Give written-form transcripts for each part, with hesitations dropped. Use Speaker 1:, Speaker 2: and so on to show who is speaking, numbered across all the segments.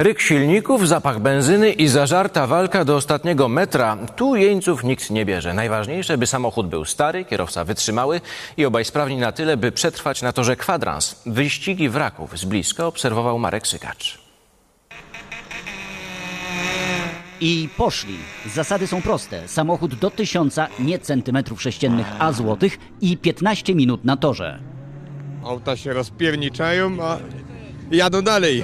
Speaker 1: Ryk silników, zapach benzyny i zażarta walka do ostatniego metra. Tu jeńców nikt nie bierze. Najważniejsze, by samochód był stary, kierowca wytrzymały i obaj sprawni na tyle, by przetrwać na torze kwadrans. Wyścigi wraków z bliska obserwował Marek Sygacz.
Speaker 2: I poszli. Zasady są proste. Samochód do 1000, nie centymetrów sześciennych, a złotych i 15 minut na torze.
Speaker 3: Auta się rozpierniczają, a jadą dalej.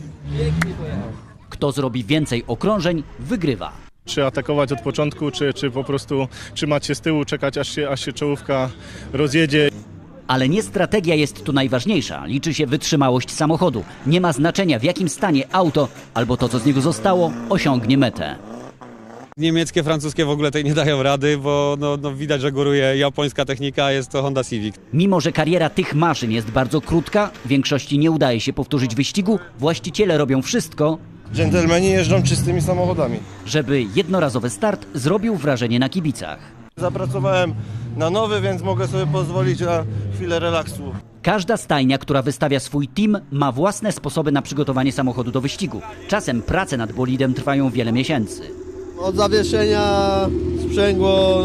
Speaker 2: Kto zrobi więcej okrążeń, wygrywa.
Speaker 4: Czy atakować od początku, czy po prostu trzymać się z tyłu, czekać aż się czołówka rozjedzie.
Speaker 2: Ale nie strategia jest tu najważniejsza. Liczy się wytrzymałość samochodu. Nie ma znaczenia, w jakim stanie auto albo to, co z niego zostało, osiągnie metę.
Speaker 5: Niemieckie, francuskie w ogóle tej nie dają rady, bo widać, że góruje japońska technika, jest to Honda Civic.
Speaker 2: Mimo że kariera tych maszyn jest bardzo krótka, większości nie udaje się powtórzyć wyścigu, właściciele robią wszystko,
Speaker 6: Dżentelmeni jeżdżą czystymi samochodami.
Speaker 2: żeby jednorazowy start zrobił wrażenie na kibicach.
Speaker 6: Zapracowałem na nowy, więc mogę sobie pozwolić na chwilę relaksu.
Speaker 2: Każda stajnia, która wystawia swój team, ma własne sposoby na przygotowanie samochodu do wyścigu. Czasem prace nad bolidem trwają wiele miesięcy.
Speaker 7: Od zawieszenia, sprzęgło,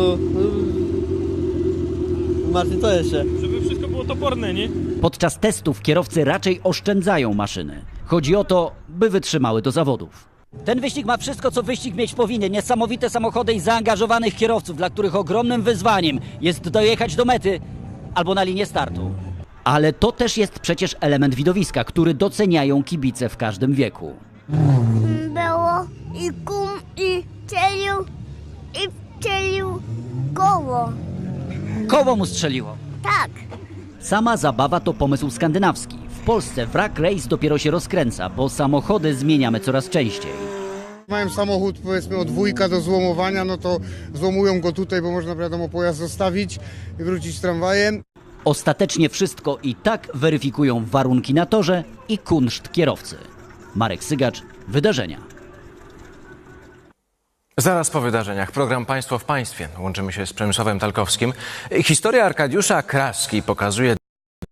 Speaker 7: Martin, co jeszcze?
Speaker 8: Żeby wszystko było toporne, nie?
Speaker 2: Podczas testów kierowcy raczej oszczędzają maszyny. Chodzi o to, by wytrzymały do zawodów. Ten wyścig ma wszystko, co wyścig mieć powinien. Niesamowite samochody i zaangażowanych kierowców, dla których ogromnym wyzwaniem jest dojechać do mety albo na linię startu. Ale to też jest przecież element widowiska, który doceniają kibice w każdym wieku.
Speaker 9: Było i kum i wcielił koło.
Speaker 2: Koło mu strzeliło.
Speaker 9: Tak.
Speaker 2: Sama zabawa to pomysł skandynawski. W Polsce wrak race dopiero się rozkręca, bo samochody zmieniamy coraz częściej.
Speaker 10: Mają samochód, powiedzmy, od wujka do złomowania, no to złomują go tutaj, bo można, wiadomo, pojazd zostawić i wrócić tramwajem.
Speaker 2: Ostatecznie wszystko i tak weryfikują warunki na torze i kunszt kierowcy. Marek Sygacz, Wydarzenia.
Speaker 1: Zaraz po wydarzeniach program Państwo w Państwie. Łączymy się z Przemysławem Talkowskim. Historia Arkadiusza Kraski pokazuje